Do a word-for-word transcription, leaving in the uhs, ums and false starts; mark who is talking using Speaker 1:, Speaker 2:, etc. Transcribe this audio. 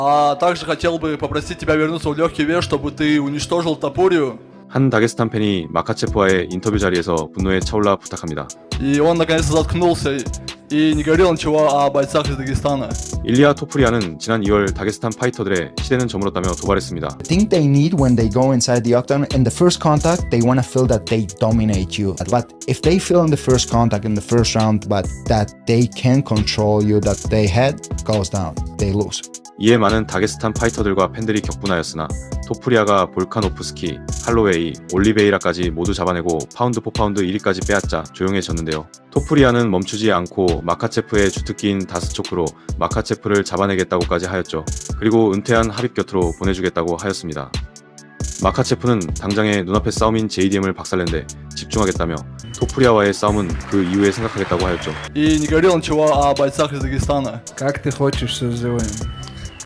Speaker 1: А также хотел бы попросить тебя вернуться в легкий вес, чтобы ты уничтожил Топурию.
Speaker 2: 한 다게스탄 팬이 마카체프와의 인터뷰 자리에서 분노에 차올라 부탁합니다.
Speaker 1: И он наконец-то заткнулся и не говорил ничего о бойцах из Дагестана.
Speaker 2: 일리아 토프리아는 지난 이월 다게스탄 파이터들의 시대는 저물었다며 도발했습니다.
Speaker 3: I think they need when they go inside the octagon in the first contact they want to feel that they dominate you, but if they feel in the first contact in the first round but that they can control you, that their head goes down, they lose.
Speaker 2: 이에 많은 다게스탄 파이터들과 팬들이 격분하였으나 토프리아가 볼카노프스키, 할로웨이, 올리베이라까지 모두 잡아내고 파운드 포 파운드 일 위까지 빼앗자 조용해졌는데요. 토프리아는 멈추지 않고 마카체프의 주특기인 다스초크로 마카체프를 잡아내겠다고까지 하였죠. 그리고 은퇴한 하빕 곁으로 보내주겠다고 하였습니다. 마카체프는 당장의 눈앞의 싸움인 제이디엠을 박살낸데 집중하겠다며 토프리아와의 싸움은 그 이후에 생각하겠다고 하였죠.
Speaker 1: И не говорил ничего о бойцах из Дагестана.
Speaker 4: Как ты хочешь, все сделаем.